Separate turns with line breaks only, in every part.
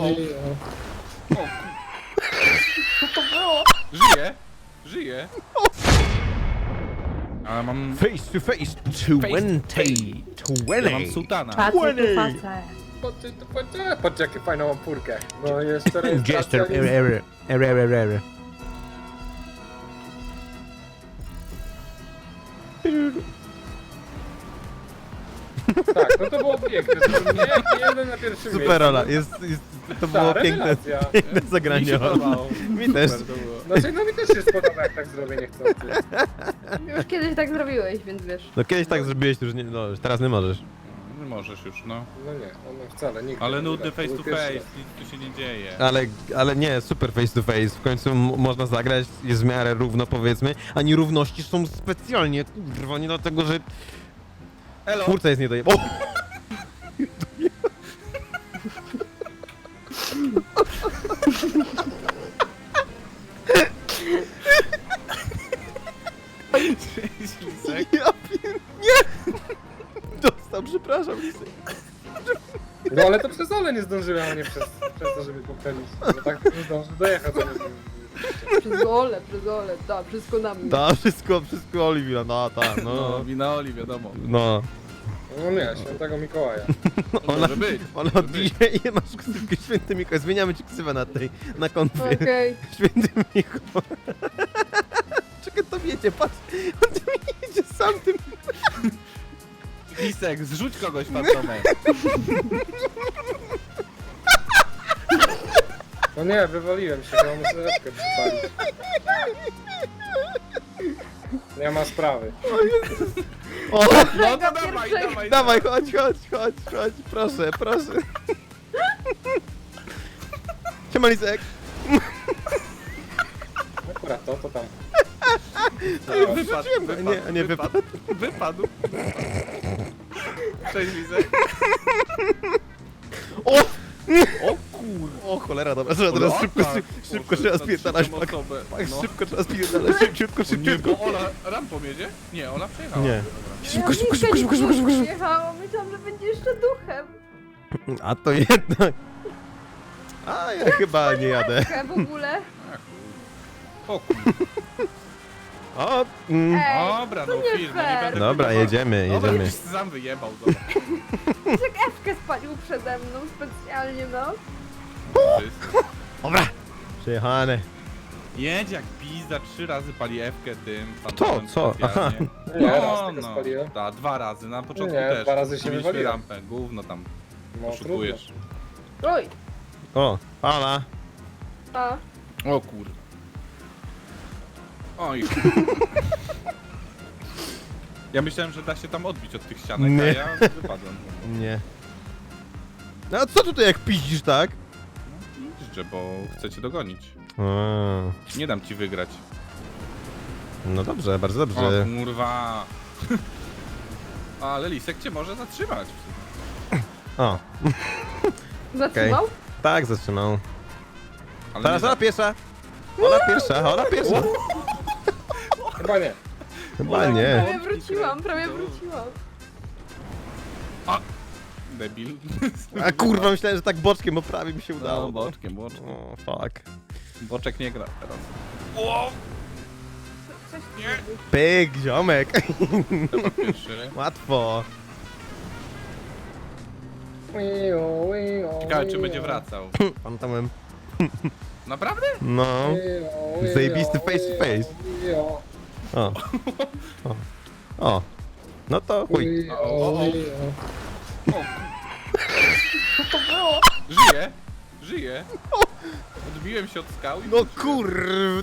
O,
Co to było?
żyje. Ale mam...
Face to face, 20.
Ja mam sułtana.
Patrzcie,
Ładnie.
tu facę.
Patrzcie, jakie fajną mam furkę. No jeszcze
Jester,
rejestracja jest... Tak, no to było piękne. Nie jeden na pierwszym
Super rola,
miejscu.
to było piękne,
rewelacja.
piękne
Mi się
zagranie.
podobało.
Mi też.
Super to było.
Znaczy, no mi też się spodoba, jak tak zrobię niechcący.
Już kiedyś tak zrobiłeś, więc wiesz.
No kiedyś tak zrobiłeś, już nie, no teraz nie możesz.
Nie możesz już, no.
No nie, on wcale nigdy.
Ale
nie
nudny
gra.
face
był
to
pierwszy
face,
raz.
nic tu się nie dzieje.
Ale nie, super face to face, w końcu można zagrać, jest w miarę równo powiedzmy, a nierówności są specjalnie, kurwa, nie dlatego, że
Elo!
twórca jest niedojebany.
Cześć, Lisek.
Ja nie! Dostał, przepraszam.
No ale to przez Ole nie zdążyłem, a nie przez to, żeby poprawić. Bo tak nie zdążył dojechać.
Przez gole, da, wszystko na mnie.
Da, wszystko Oliwia, no ta,
No,
no.
wina Oli, wiadomo.
No.
No nie, świętego Mikołaja.
Może być.
Ona od dzisiaj masz ksywkę Święty Mikołaj, zmieniamy ci ksywę na konfie.
Okej.
Święty Mikołaj. Czekaj, to wiecie, patrz, on tu jedzie sam tym.
Lisek, zrzuć kogoś fantomem.
No nie, wywaliłem się, bo muszę lepkę przypalić. Nie ma sprawy.
O,
No to
Tego
dawaj,
pierwszego.
dawaj.
dawaj, chodź, proszę. Siema Lisek.
Akurat to tam.
Wypadł,
Wrzuciłem go.
wypadł,
Nie,
wypadł. Wypadł. Cześć, Lisek.
O!
O kur...
O cholera, dobra, trzeba teraz szybko trzeba spierdalać, pak,
No.
szybko trzeba spierdalać, szybciutko.
Nie, bo Ola rampą jedzie? Nie, Ola przejechała.
Nie.
Szybko. Jechałam, myślałam, że będzie jeszcze duchem.
A to jednak. A ja chyba nie jadę.
W ogóle.
O kur...
O,
Ej,
Dobra,
to
no
nie
film, no nie
fair.
będę...
Dobra,
próbował.
jedziemy.
Dobra, już sam wyjebał, dobra.
Jak Ewkę spalił przede mną specjalnie, no.
Wszystko.
Dobra. Przejechane.
Jedź jak pizda, 3 razy pali F-kę tym
Kto?
fantomem
Co?
specjalnie.
Nie,
No,
raz tylko
no,
spaliłem.
ta, 2 razy, na początku
Nie,
też.
2 razy się
Mieliśmy
wywaliłem.
rampę, gówno tam
No trudno.
oszukujesz.
Oj.
O, Ala.
A.
O kur... Oj. Ja myślałem, że da się tam odbić od tych ścianek,
Nie.
a ja wypadłem.
Nie. No a co tutaj jak piździsz, tak?
Życzę, bo chcę cię dogonić.
A,
Nie dam ci wygrać.
no dobrze, bardzo
O
dobrze.
kurwa. Ale Lisek cię może zatrzymać.
O,
Zatrzymał?
tak zatrzymał.
Ale
Teraz
nie
Ola pierwsza. Ola pierwsza.
Chyba nie.
Chyba nie.
Prawie wróciłam.
Debil.
A kurwa, myślałem, że tak boczkiem, bo prawie mi się udało.
No, boczkiem, boczkiem.
O, fuck.
Boczek nie gra teraz.
Coś
Nie.
Pyk, ziomek.
Chyba pierwszy.
Łatwo.
Ciekawe, czy będzie wracał.
Fantomem.
Naprawdę?
No. Zajebisty face to face. O. O. No to chuj.
O.
Co to było?
Żyje. Odbiłem się od skał i...
No kurw.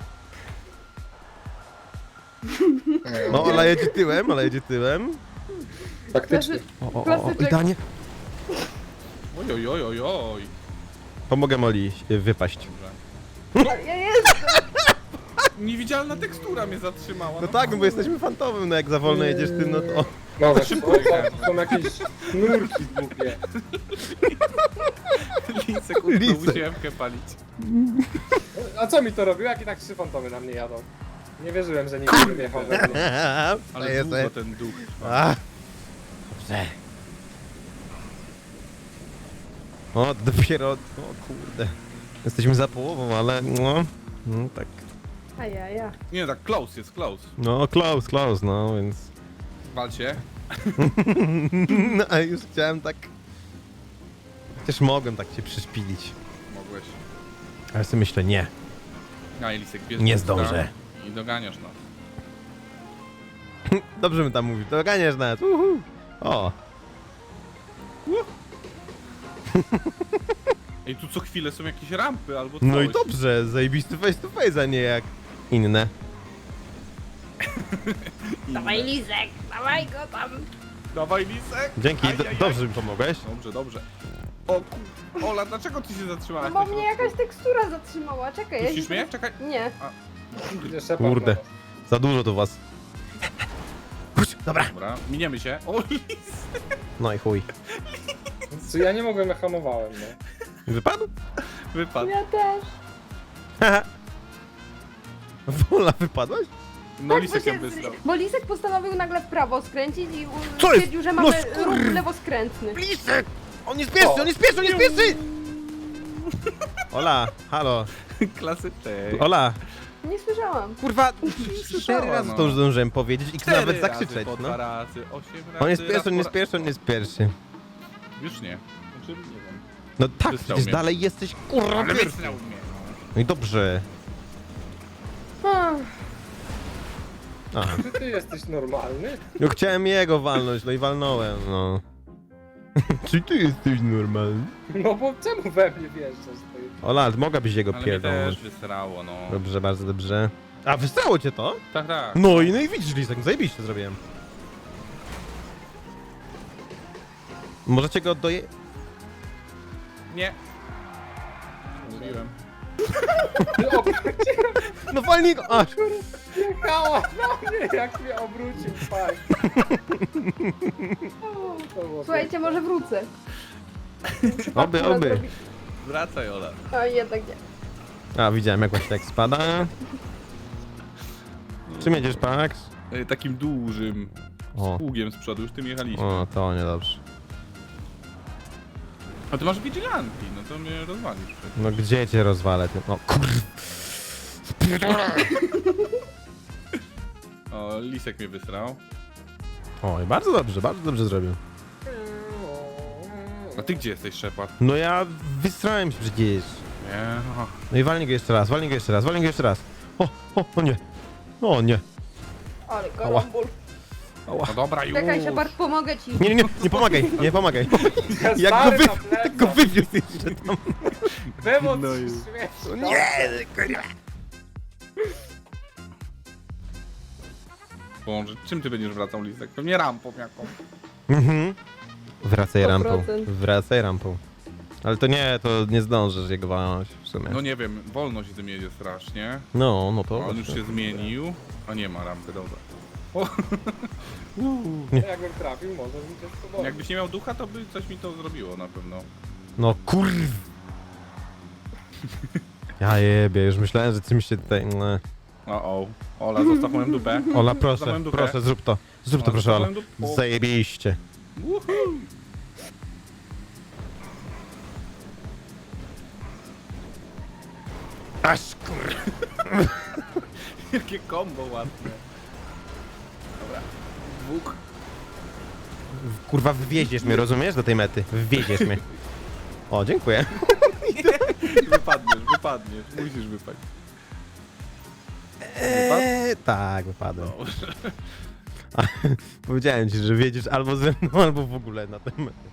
No, Ola jedzie tyłem.
Faktycznie.
O,
Klasyczek.
idealnie.
Oj, oj, oj, oj.
Pomogę Oli wypaść.
Ja jestem.
Niewidzialna tekstura mnie zatrzymała.
No tak, no bo jesteśmy fantomem, no jak za wolno jedziesz ty, no to...
No wiesz,
szybko
to
jechałem.
są jakieś nurki głupie.
Lisek utknął,
Lisek.
musiałem palić.
A co mi to robił, jak i tak 3 fantomy na mnie jadą? Nie wierzyłem, że nikt nie wjechał we mnie.
Ale
jest.
długo ten duch trwa.
A. Dobrze. O, dopiero... O kurde. Jesteśmy za połową, ale no... No tak...
Ajaja.
Nie, tak close jest, close.
No, close, no, więc...
Walcie.
No, a już chciałem tak... Chociaż mogłem tak cię przyszpilić.
Mogłeś.
Ale sobie myślę, nie.
A Elisek, bierz
Nie
busta
zdążę.
I doganiasz nas.
Dobrze mi tam mówisz, to ganiesz nas. O,
Ej, tu co chwilę są jakieś rampy albo coś.
no i dobrze, zajebisty face to face, a nie jak inne.
Dawaj Lizek, dawaj go tam.
Dawaj, Lisek.
Dzięki,
Aj, aj, aj.
dobrze mi pomogłeś.
Dobrze, dobrze. O Ola, dlaczego ty się zatrzymałaś?
No bo mnie jakaś tekstura zatrzymała, czekaj. ja
Puścisz
się
mnie?
teraz-
Czekaj.
Nie.
Idzie Shepard
Kurde.
do was.
Za dużo to was. Chodź, dobra.
Dobra, miniemy się. O, Lis.
No i chuj.
Co ja nie mogłem, ja hamowałem, no.
Wypadł?
Wypadł.
Ja też.
Haha. Wola, wypadłaś?
No
Tak,
Lisek
bo
ją wysłał.
Bo Lisek postanowił nagle w prawo skręcić i
Co jest?
stwierdził, że
No
mamy
skur-
ruch lewoskrętny.
Lisek! On jest pierwszy, on jest pierwszy, on jest pierwszy! Ola, halo.
Klasyczek.
Ola,
Nie słyszałam.
kurwa,
słyszała,
4 razy
no.
to już zdążyłem powiedzieć i
Cztery
nawet
razy
zakrzyczeć,
po
no.
2 razy, 8 razy.
On jest
raz
pierwszy, on
po
jest
ra-
pierwszy, on jest pierwszy.
Już nie. Znaczy, nie wiem.
No tak,
Wysrał
przecież
mnie.
dalej jesteś kurwa
Ale
pierwszy.
wysrał mnie.
No i dobrze.
Ach,
Aha.
Czy ty jesteś normalny?
No chciałem jego walnąć, no i walnąłem, no. Czy ty jesteś normalny?
No bo czemu we mnie wjeżdżasz? Ty?
Ola, mogłabyś jego
Ale mnie
pierdolnąć.
też wysrało, no.
Dobrze, bardzo dobrze. A, wystrało cię to?
Tak, tak.
No i widzisz, Lisek, zajebiście zrobiłem. Możecie go doje...
Nie. Mówiłem.
O,
No walnij go! A,
jechała na mnie, jak mnie obrócił, fajnie. To było
słuchajcie, może wrócę.
oby, oby.
Wracaj, Ola.
A jednak nie.
A, widziałem jak właśnie tak spada. Czym jedziesz, Pax?
Takim dużym
O,
pługiem z przodu, już tym jechaliśmy.
o, to niedobrze.
A ty masz vigilanti, no to mnie rozwalisz przecież.
No gdzie cię rozwalę tym? O kur...
O, Lisek mnie wysrał.
Oj, bardzo dobrze zrobił.
A ty gdzie jesteś, Shepard?
No ja wysrałem się przecież.
Nie. O.
No i walnij go jeszcze raz, walnij go jeszcze raz, walnij go jeszcze raz. O nie. O nie.
Ale karambol.
No dobra, już.
Czekaj, Shepard, pomogę ci.
Nie pomagaj, nie pomagaj.
Ja
Jak
stary
go,
na plecach.
jak go wywiózł jeszcze tam.
Było
No
no
i-
śmieszne.
kurwa.
Boże, czym ty będziesz wracał, Lisek? Pewnie rampą jaką.
Mhm. Wracaj
100%.
rampą, wracaj rampą. Ale to nie zdążysz jego walnąć w sumie.
No nie wiem, wolno się tym jedzie strasznie.
No to...
A on już się zmienił. A nie ma rampy, dobra.
Jakbym trafił, może bym cię spróbował.
Jakbyś nie miał ducha, to by coś mi to zrobiło na pewno.
No kurw. Ja jebie, już myślałem, że czymś się tutaj... No.
O, Ola, zostaw moją dupę.
Ola,
Zostaw
proszę,
moją dupę.
proszę, zrób to. Zrób to,
O,
proszę, Ola.
zostaw moją dupę.
Zajebiście.
Woohoo!
Aż kur...
Jakie kombo ładne. Dobra. Dwóch.
Kurwa, wywieziesz mnie, rozumiesz? Do tej mety. Wywieziesz mnie. O, dziękuję.
Wypadniesz. Musisz wypaść.
Tak, wypadłem.
Dobrze.
Powiedziałem ci, że wiedziesz albo ze mną, albo w ogóle na tę metę.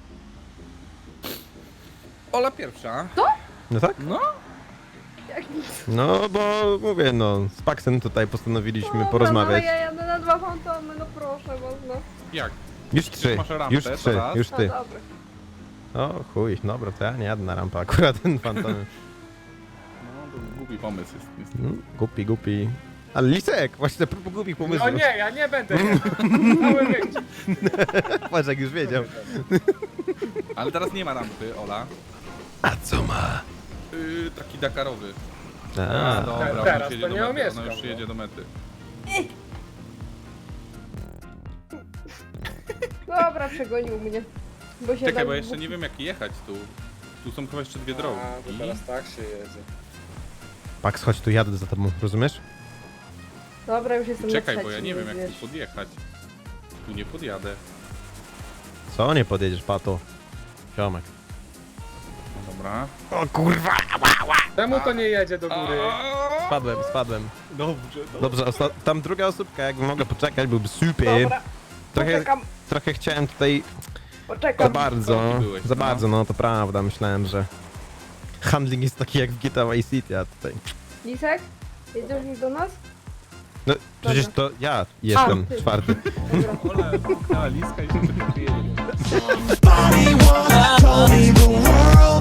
Ola pierwsza.
No tak?
No.
Jak nic.
No, bo mówię, no, z Paxem tutaj postanowiliśmy
Dobra,
porozmawiać.
No, ale ja jadę na 2 fantomy, no proszę was, no.
Jak?
Już 3,
masz rampę,
już
to
3,
raz.
już
No
ty.
dobra.
O chuj, dobra, to ja nie jadę na rampę, akurat ten fantom.
No, to głupi pomysł jest. niestety.
Głupi. Ale Lisek, właśnie a propos głupich pomysłów.
No nie, ja nie będę jechał. Cały wyścig.
Patrz, jak już wiedział.
Ale teraz nie ma rampy, Ola.
A co ma?
Taki Dakarowy.
A,
Dobra, ona
teraz
już
to
jedzie do
nie
mety.
omieszkam,
Ona już
no.
jedzie do mety.
Dobra, przegonił mnie. Bo się
Czekaj,
tak
bo jeszcze nie wiem jak jechać tu. Tu są chyba jeszcze dwie drogi.
A, to teraz tak się jedzie.
Pax, chodź tu, jadę za tobą, rozumiesz?
Dobra, już jestem
Czekaj,
na
bo ja
trzecim,
nie wiem
więc
jak tu
wiesz.
podjechać. Tu nie podjadę.
Co, nie podjedziesz, pato? Ziomek.
No dobra.
O kurwa!
Czemu to nie jedzie do góry?
Spadłem.
Dobrze,
Dobrze, tam druga osóbka, jakby mogła poczekać, byłby super.
Dobra,
Trochę,
poczekam,
trochę chciałem tutaj za
poczekam.
bardzo,
Korki byłeś,
za
no.
bardzo, no to prawda, myślałem, że handling jest taki jak w GTA Vice City, a tutaj...
Lisek? Jedziesz już do nas?
No, przecież to ja jestem
ty.
czwarty.
Dobra.
Ole, liska i się wyjedzie.
Body wanna tell me the world